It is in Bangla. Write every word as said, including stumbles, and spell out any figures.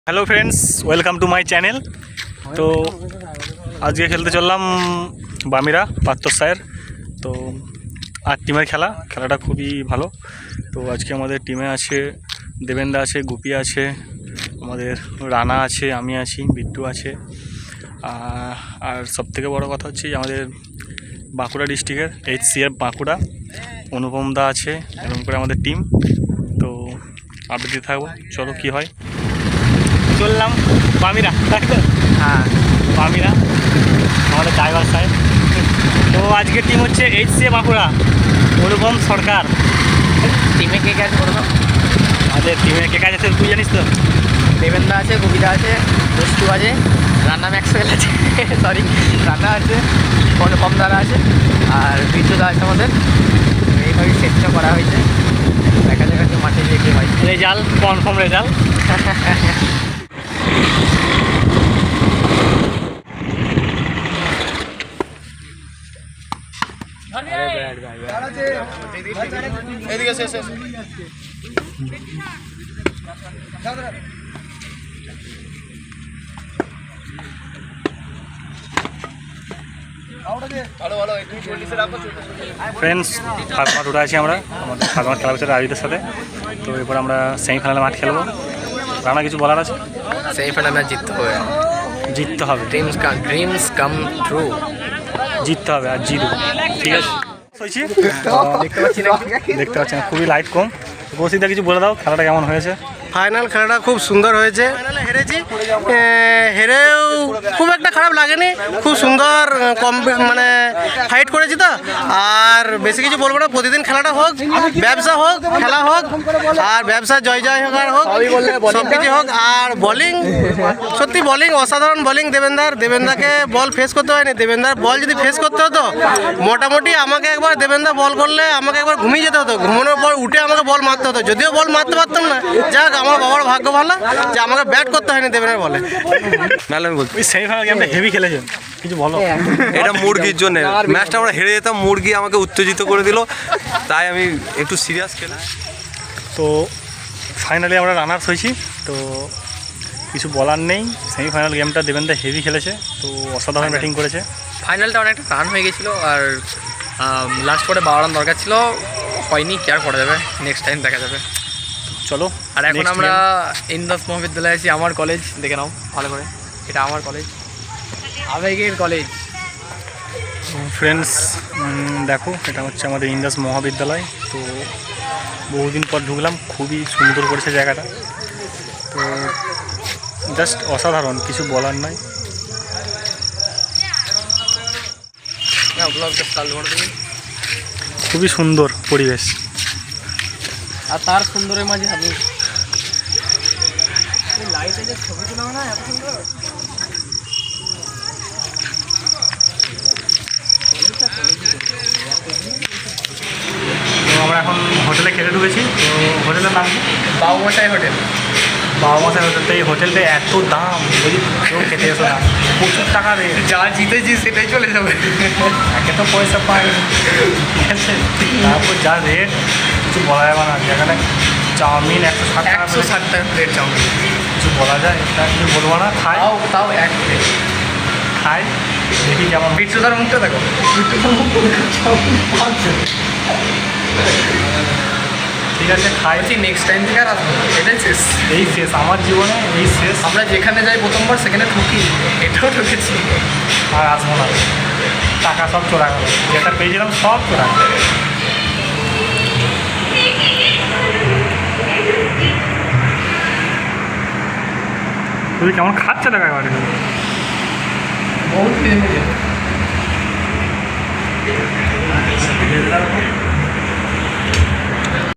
Hello friends, welcome to my channel. তো আজকে খেলতে চললাম বামিরা পাত্তর স্যার। তো আট টিমের খেলা খেলাটা খুবই ভালো। তো আজকে আমাদের টিমে আছে দেবেন্দা আছে, গুপি আছে, আমাদের রানা আছে, আমি আছি, বিট্টু আছে। আর সবথেকে বড় কথা হচ্ছে আমাদের বাঁকুড়া ডিস্ট্রিক্টের H C F Bankura Anupam দা আছে, এরকম করে আমাদের টিম। তো আপডেট দিতে থাকবো, চলো কী হয়। চললাম বামিরা, হ্যাঁ বামিরা আমাদের ড্রাইভার সাহেব। তো আজকের টিম হচ্ছে H C A Bankura Anupam Sarkar. টিমে কে কে আছে বলো তো? আমাদের টিমে কে কাজ আছে তুই জানিস তো? দেবেন্দা আছে, কবিতা আছে, বস্তু আছে, রান্না ম্যাক্সওয়েল আছে, সরি রান্না আছে, কম দ্বারা আছে, আর বিদ্যুৎ আছে আমাদের। এইভাবেই সেটটা করা হয়েছে, দেখা যাক আজকে মাঠে গিয়ে কী হয়। Result confirm result. এদিকে শেষ শেষ ফ্রেন্ডস, ফার্স্ট মাঠ উঠে আছি আমরা আমাদের ফার্স্ট মাঠ খেলা হচ্ছে রাজুদের সাথে। তো এরপর আমরা সেমিফাইনালে মাঠ খেলবো। রানা কিছু বলার আছে? সেমিফাইনাল ম্যাচ জিততে হবে, জিততে হবে, dreams come dreams come true, জিততে হবে আর জিতবো, ঠিক আছে। হয়েছি দেখতে পাচ্ছি না দেখতে পাচ্ছি না, খুবই লাইট কম। বসিদা কিছু বলে দাও, খেলাটা কেমন হয়েছে? ফাইনাল খেলাটা খুব সুন্দর হয়েছে। ফাইনালে হেরেছি, হেরেও খুব একটা খারাপ লাগেনি, খুব সুন্দর কম মানে ফাইট করেছি তো। আর বেশি কিছু বলবো না, প্রতিদিন খেলাটা হোক, ব্যবসা হোক, খেলা হোক, আর ব্যবসা জয় জয় হোক আর হোক, সব কিছু হোক। আর বোলিং, সত্যি বোলিং অসাধারণ বোলিং দেবেন্দার। দেবেন্দাকে বল ফেস করতে হয়নি, দেবেন্দার বল যদি ফেস করতে হতো মোটামুটি আমাকে একবার দেবেন্দা বল করলে আমাকে একবার ঘুমিয়ে যেতে হতো, ঘুমানোর পর উঠে আমাকে বল মারতে হতো, যদিও বল মারতে পারতাম না। যাক, আমার বাবার ভাগ্য ভালো যে আমাকে ব্যাট করতে হয়নি দেবেন্দার বলে। নাহলে আমি বলছি সেমিফাইনাল গেমটা হেভি খেলেছেন, কিছু বলো। এটা মুরগির জন্য ম্যাচটা আমরা হেরে যেতাম, মুরগি আমাকে উত্তেজিত করে দিল, তাই আমি একটু সিরিয়াস খেলাম। তো ফাইনালি আমরা রানার্স হয়েছি। তো কিছু বলার নেই, সেমিফাইনাল গেমটা দেবেন্দা হেভি খেলেছে, তো অসাধারণ ব্যাটিং করেছে। ফাইনালটা অনেকটা রান হয়ে গেছিলো, আর লাস্ট পরে বারো রান দরকার ছিল, হয়নি, কি আর করা যাবে, নেক্সট টাইম দেখা যাবে। চলো, আর এখন next আমরা game। ইন্দাস মহাবিদ্যালয়ে আছি, আমার কলেজ, দেখে নাও ভালো করে, এটা আমার কলেজ, আবেগের কলেজ। ফ্রেন্ডস দেখো, এটা হচ্ছে আমাদের ইন্দাস মহাবিদ্যালয়। তো বহুদিন পর ঢুকলাম, খুবই সুন্দর করেছে জায়গাটা, তো জাস্ট অসাধারণ, কিছু বলার নাই। খুবই সুন্দর পরিবেশ, আর তার সুন্দরের মাঝে আমি লাইটে যে ছবি তোলা না এত সুন্দর। তো আমরা এখন হোটেলে খেতে ঢুকেছি। তো হোটেলের নাম কি? বাবুমশাই হোটেল। বাবা মাসের হোটেল। তো এই হোটেলটা এত দাম, যদি কেউ খেতে এসো না, প্রচুর টাকা রে, যা জিতেছি সেটাই চলে যাবে, একে তো পয়সা পাই, ঠিক আছে, তারপর যা রেট কিছু বলা যাবে না। যেখানে চাউমিন একশো ষাট টাকা, একশো ষাট টাকা প্লেট চাউমিন, কিছু বলা যায়, এটা কিছু বলবো না। খাই তাও তাও এক প্লেট খাই, দেখি কেমন। বিট্টুদার মুখটা দেখো, ঠিক আছে, খাই। বলছি নেক্সট টাইম থেকে আর আসবো, এটাই শেষ, এই শেষ আমার জীবনে, এই শেষ। আমরা যেখানে যাই প্রথমবার সেখানে ঠকি, এটাও ঠকেছি, আর আসবো না, টাকা সব চোরা গেল, যেটা পেয়েছিলাম সব চোরা গেল। তুই কেমন খাচ্ছে টাকা এবারে? বহুত